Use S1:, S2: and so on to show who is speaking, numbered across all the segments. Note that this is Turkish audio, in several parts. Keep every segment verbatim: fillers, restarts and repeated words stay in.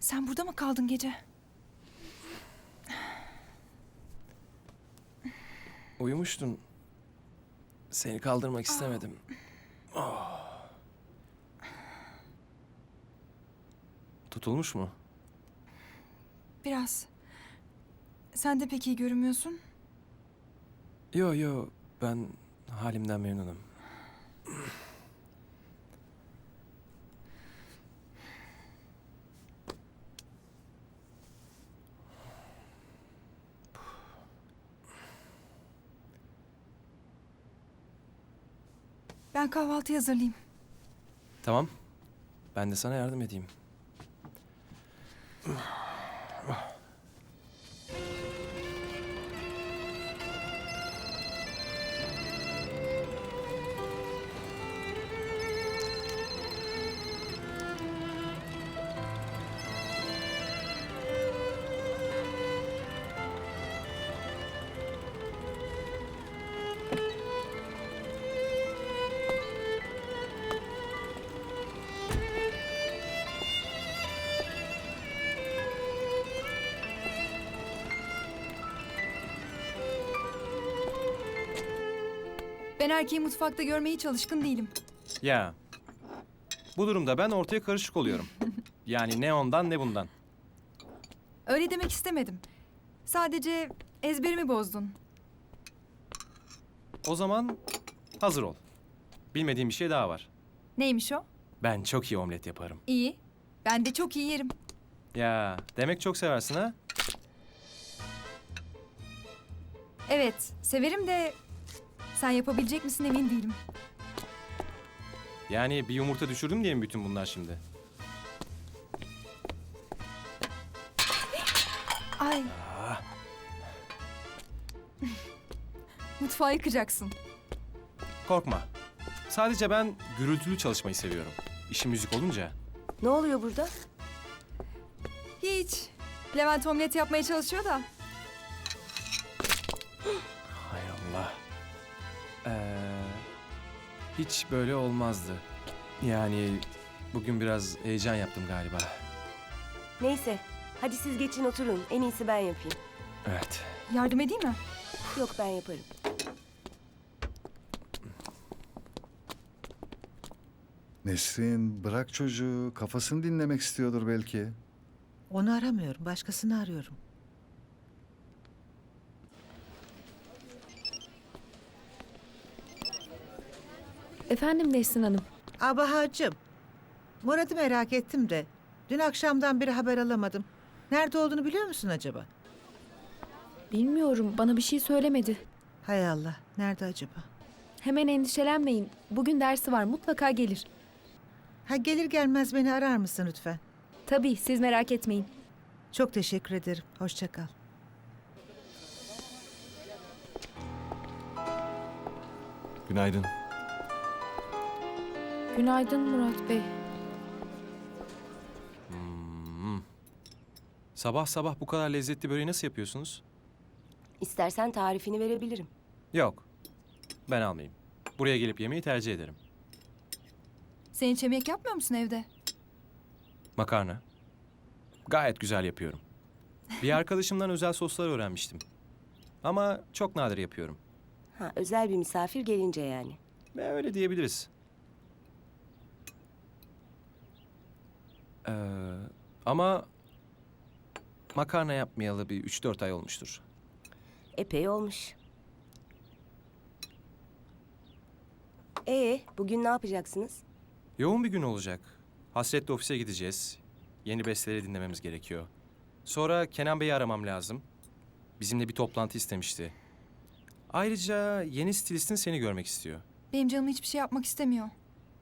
S1: Sen burada mı kaldın gece?
S2: Uyumuştun. Seni kaldırmak istemedim. Oh. Tutulmuş mu?
S1: Biraz. Sen de pek iyi görünmüyorsun.
S2: Yo yo, ben halimden memnunum.
S1: Ben kahvaltı hazırlayayım.
S2: Tamam. Ben de sana yardım edeyim.
S1: Ben erkeği mutfakta görmeye hiç alışkın değilim.
S2: Ya. Bu durumda ben ortaya karışık oluyorum. Yani ne ondan ne bundan.
S1: Öyle demek istemedim. Sadece ezberimi bozdun.
S2: O zaman hazır ol. Bilmediğim bir şey daha var.
S1: Neymiş o?
S2: Ben çok iyi omlet yaparım.
S1: İyi. Ben de çok iyi yerim.
S2: Ya demek çok seversin ha?
S1: Evet, severim de sen yapabilecek misin emin değilim.
S2: Yani bir yumurta düşürdüm diye mi bütün bunlar şimdi?
S1: Ay.
S2: Ah,
S1: Mutfağı yıkacaksın.
S2: korkma. Sadece ben gürültülü çalışmayı seviyorum. İşim müzik olunca.
S3: Ne oluyor burada?
S1: Hiç. Levent omlet yapmaya çalışıyor da.
S2: Hay Allah. Ee, hiç böyle olmazdı. Yani bugün biraz heyecan yaptım galiba.
S3: Neyse, hadi siz geçin oturun. En iyisi ben yapayım.
S2: Evet.
S1: Yardım edeyim mi?
S3: Yok, ben yaparım.
S4: Nesrin, bırak çocuğu. Kafasını dinlemek istiyordur belki.
S5: Onu aramıyorum, başkasını arıyorum.
S6: Efendim Nesrin Hanım.
S5: Abahacığım, Murat'ı merak ettim de dün akşamdan beri haber alamadım. Nerede olduğunu biliyor musun acaba?
S6: Bilmiyorum, bana bir şey söylemedi.
S5: Hay Allah, nerede acaba?
S6: Hemen endişelenmeyin. Bugün dersi var, mutlaka gelir.
S5: Ha, gelir gelmez beni arar mısın lütfen?
S6: Tabii, siz merak etmeyin.
S5: Çok teşekkür ederim. Hoşça kal.
S2: Günaydın.
S6: Günaydın Murat Bey.
S2: Hmm. Sabah sabah bu kadar lezzetli böreği nasıl yapıyorsunuz?
S3: İstersen tarifini verebilirim.
S2: Yok. Ben almayayım. Buraya gelip yemeği tercih ederim.
S1: Sen hiç yemek yapmıyor musun evde?
S2: Makarna. Gayet güzel yapıyorum. Bir arkadaşımdan özel soslar öğrenmiştim. Ama çok nadir yapıyorum.
S3: Ha, özel bir misafir gelince yani.
S2: Ve öyle diyebiliriz. Ee, ama makarna yapmayalı bir üç dört ay olmuştur.
S3: Epey olmuş. Ee, bugün ne yapacaksınız?
S2: Yoğun bir gün olacak. Hasret'le ofise gideceğiz. Yeni besteleri dinlememiz gerekiyor. Sonra Kenan Bey'i aramam lazım. Bizimle bir toplantı istemişti. Ayrıca yeni stilistin seni görmek istiyor.
S1: Benim canım hiçbir şey yapmak istemiyor.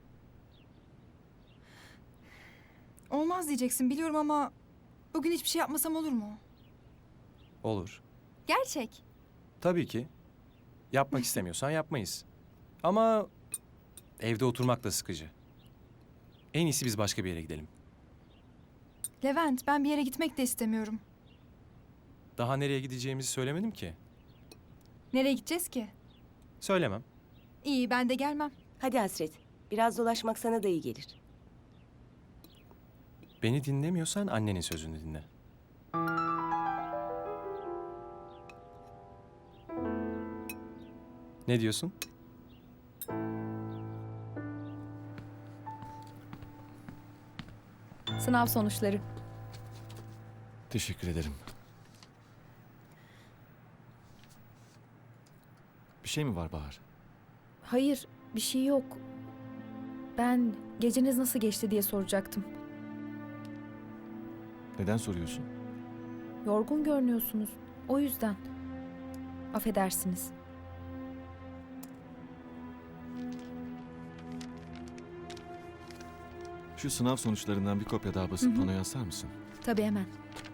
S1: Olmaz diyeceksin biliyorum ama bugün hiçbir şey yapmasam olur mu?
S2: Olur.
S1: Gerçek.
S2: Tabii ki. Yapmak istemiyorsan yapmayız. Ama evde oturmak da sıkıcı. En iyisi biz başka bir yere gidelim.
S1: Levent, ben bir yere gitmek de istemiyorum.
S2: Daha nereye gideceğimizi söylemedim ki.
S1: Nereye gideceğiz ki?
S2: Söylemem.
S1: İyi, ben de gelmem.
S3: Hadi Hasret, biraz dolaşmak sana da iyi gelir.
S2: Beni dinlemiyorsan annenin sözünü dinle. Ne diyorsun?
S6: Sınav sonuçları.
S7: Teşekkür ederim. Bir şey mi var Bahar?
S6: Hayır, bir şey yok. Ben geceniz nasıl geçti diye soracaktım.
S7: Neden soruyorsun?
S6: Yorgun görünüyorsunuz. O yüzden. Affedersiniz.
S7: Şu sınav sonuçlarından bir kopya daha basıp panoya asar mısın?
S6: Tabii hemen.